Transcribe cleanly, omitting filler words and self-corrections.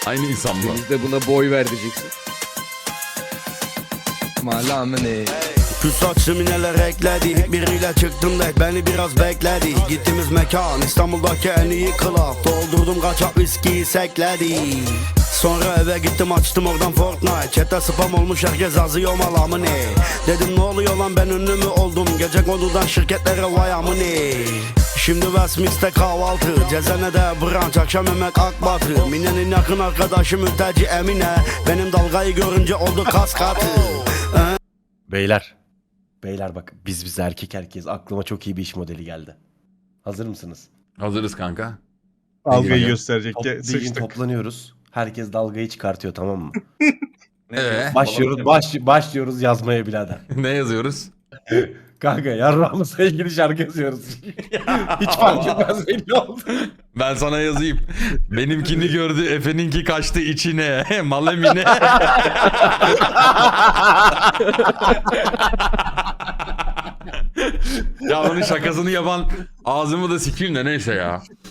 Aynı insan mı? Biz de buna boy ver diyeceksin. Malamene. Şu saçımı neler ekledi. Biriyle çıktım da beni biraz bekledi. Gittiğimiz mekan İstanbul'daki en iyi club. Doldurdum kaçak viskiyi sekledi. Sonra eve gittim açtım oradan Fortnite. Chat'te spam olmuş herkes yazıyor malamı ne. Dedim ne oluyor lan ben ünlü mü oldum. Gece konudan şirketlere vay amını. Şimdi Westminster kahvaltı, Cezane'de brunch, akşam yemek Akbatı. Mine'nin yakın arkadaşı mülteci Emine. Benim dalgayı görünce oldu kas katı. Beyler bak biz erkek herkes aklıma çok iyi bir iş modeli geldi. Hazır mısınız? Hazırız kanka. Dalgayı Bilgin- gösterecek. Bilgin Sıçtık. toplanıyoruz. Herkes dalgayı çıkartıyor, tamam mı? Evet. Başlıyoruz yazmaya birader. Ne yazıyoruz? Kanka yarrağımızla ilgili şarkı yazıyoruz. Hiç fark etmez belli oldu. Ben sana yazayım. Benimkini gördü, Efe'ninki kaçtı içine. Malemine. Ya onun şakasını yapan ağzımı da sikeyim de neyse ya.